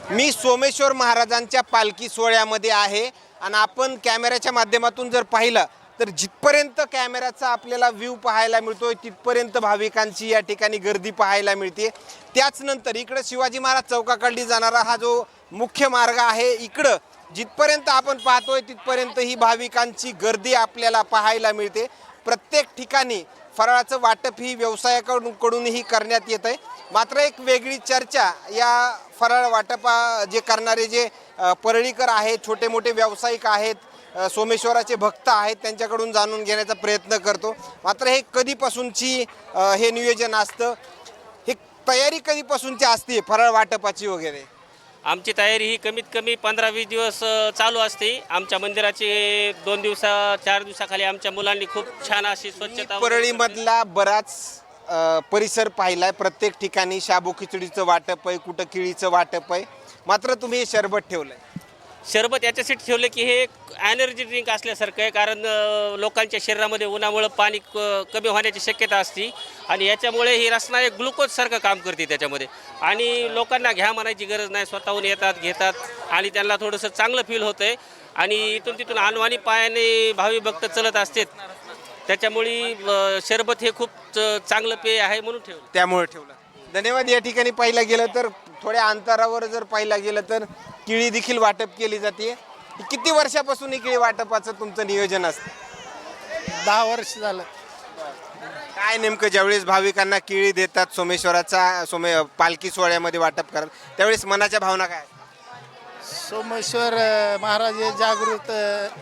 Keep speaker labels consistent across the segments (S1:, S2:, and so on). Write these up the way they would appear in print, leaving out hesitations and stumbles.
S1: मी सोमेश्वर महाराजांच्या पालखी सोहळ्यामध्ये आहे आणि आपण कॅमेऱ्याच्या माध्यमातून जर पाहिलं तर जिथपर्यंत कॅमेऱ्याचा आपल्याला व्ह्यू पाहायला मिळतोय तिथपर्यंत भाविकांची या ठिकाणी गर्दी पाहायला मिळते। त्याच नंतर इकडे शिवाजी महाराज चौकाकडली जाणारा हा जो मुख्य मार्ग आहे, इकडं जिथपर्यंत आपण पाहतोय तिथपर्यंत ही भाविकांची गर्दी आपल्याला पाहायला मिळते। प्रत्येक ठिकाणी फराळाचं वाटप ही व्यवसायाकडूनही करण्यात येत आहे। मात्र एक वेगळी चर्चा या फराळ वाटपा जे करणारे जे परळीकर आहेत, छोटे मोठे व्यावसायिक आहेत, सोमेश्वराचे भक्त आहेत, त्यांच्याकडून जाणून घेण्याचा प्रयत्न करतो। मात्र हे कधीपासूनची हे नियोजन असतं, हे तयारी कधीपासूनची असते फराळ वाटपाची वगैरे?
S2: आमची तयारी ही कमीत कमी 15-20 दिवस चालू असते। आमच्या मंदिराची 2 दिवसा 4 दिवसाखाली आमच्या मुलांनी खूप छान अशी स्वच्छता
S1: परळीमधला बराच परिसर पाहिलाय, प्रत्येक ठिकाणी शाबू खिचडीचं वाटप आहे, कुठं केळीचं वाटप आहे, मात्र तुम्ही हे शरबत ठेवलंय।
S2: शरबत याच्यासाठी ठेवलं की हे एनर्जी ड्रिंक असल्यासारखं आहे, कारण लोकांच्या शरीरामध्ये उन्हामुळे पाणी कमी होण्याची शक्यता असते आणि याच्यामुळे ही रसना एक ग्लुकोजसारखं काम करते त्याच्यामध्ये। आणि लोकांना घ्या म्हणायची गरज नाही, स्वतःहून येतात, घेतात आणि त्यांना थोडंसं चांगलं फील होतं आहे। आणि इथून तिथून अनवाणी पायाने भावी भक्त चलत असतात, त्याच्यामुळे शरबत हे खूप चांगलं पेय आहे म्हणून ठेवलं,
S1: त्यामुळे ठेवलं। धन्यवाद। या ठिकाणी पाहिलं गेलं तर थोड्या अंतरावर जर पाहिलं गेलं तर केळी देखील वाटप केली जाते। किती वर्षापासून ही केळी वाटपाचं तुमचं नियोजन असतं?
S3: 10 वर्ष झालं।
S1: काय नेमकं ज्यावेळेस भाविकांना केळी देतात सोमेश्वराचा पालखी सोहळ्यामध्ये वाटप करत, त्यावेळेस मनाच्या भावना काय?
S3: सोमेश्वर महाराज हे जागृत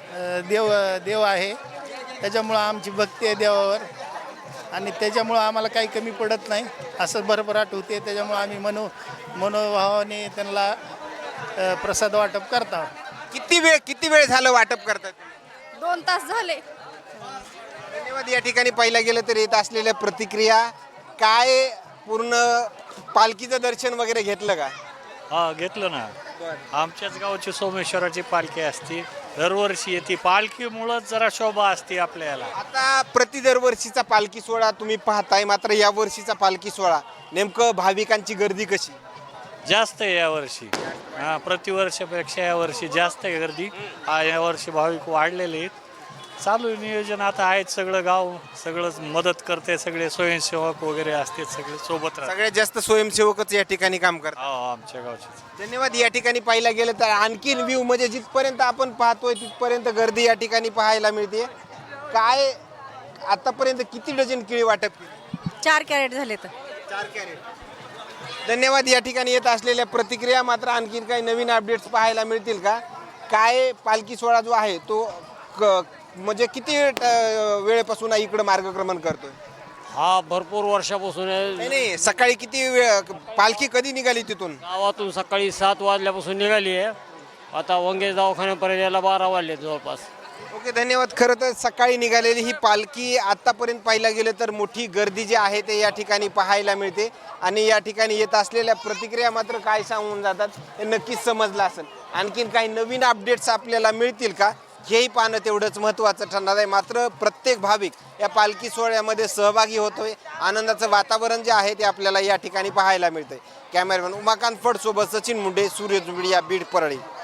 S3: देव आहे, त्याच्यामुळं आमची भक्ती आहे देवावर आणि त्याच्यामुळं आम्हाला काही कमी पडत नाही असं भरभराट होते। त्याच्यामुळं आम्ही मनोभावाने त्यांना प्रसाद वाटप करता।
S1: किती वेळ झालं वाटप करतात?
S4: 2 तास झाले।
S1: धन्यवाद। या ठिकाणी पाहिलं गेलं तर येत असलेल्या प्रतिक्रिया काय, पूर्ण पालखीचं दर्शन वगैरे घेतलं का?
S5: हा, घेतलं ना। आमच्याच गावची सोमेश्वराची पालखी असते, दरवर्षी येते। पालखीमुळंच जरा शोभा असते आपल्याला।
S1: आता दरवर्षीचा पालखी सोहळा तुम्ही पाहताय, मात्र या वर्षीचा पालखी सोहळा नेमकं भाविकांची गर्दी कशी?
S5: जास्त आहे यावर्षी, प्रतिवर्षापेक्षा यावर्षी जास्त आहे गर्दी। यावर्षी भाविक वाढलेले आहेत। चालू नियोजन आता आहेत, सगळं गाव सगळंच मदत करते, सगळे स्वयंसेवक वगैरे असते, सगळे सोबत राहतात।
S1: सगळ्यात जास्त स्वयंसेवकच या ठिकाणी काम करतात।
S5: आमच्या गावचे।
S1: धन्यवाद। या ठिकाणी पाहायला गेलं तर आणखीन व्ह्यू म्हणजे जिथपर्यंत आपण पाहतोय तिथपर्यंत गर्दी या ठिकाणी पाहायला मिळते। काय आतापर्यंत किती डझन केळी वाटप केली?
S4: 4 कॅरेट झाले तर
S1: 4 कॅरेट। धन्यवाद। या ठिकाणी येत असलेल्या प्रतिक्रिया, मात्र आणखीन काही नवीन अपडेट्स पाहायला मिळतील का? काय पालखी सोहळा जो आहे तो म्हणजे किती वेळेपासून इकडं मार्गक्रमण करतोय?
S6: हा, भरपूर वर्षापासून आहे।
S1: नाही, सकाळी किती वेळ पालखी कधी निघाली तिथून?
S6: गावातून सकाळी 7 वाजल्यापासून निघाली आहे, आता वंगे दवाखान्यापर्यंत यायला 12 वाजले जवळपास।
S1: ओके, धन्यवाद। खरं तर सकाळी निघालेली ही पालखी आतापर्यंत पाहायला गेलं तर मोठी गर्दी जी आहे ते या ठिकाणी पाहायला मिळते आणि या ठिकाणी येत असलेल्या प्रतिक्रिया मात्र काय सांगून जातात हे नक्कीच समजलं असेल। आणखीन काही नवीन अपडेट्स आपल्याला मिळतील का हेही पाहणं तेवढंच महत्त्वाचं ठरणार आहे। मात्र प्रत्येक भाविक या पालखी सोहळ्यामध्ये सहभागी होतोय, आनंदाचं वातावरण जे आहे ते आपल्याला या ठिकाणी पाहायला मिळतंय। कॅमेरामॅन उमाकांत फड सोबत सचिन मुंडे, सूर्यज मीडिया, बीड, परळी।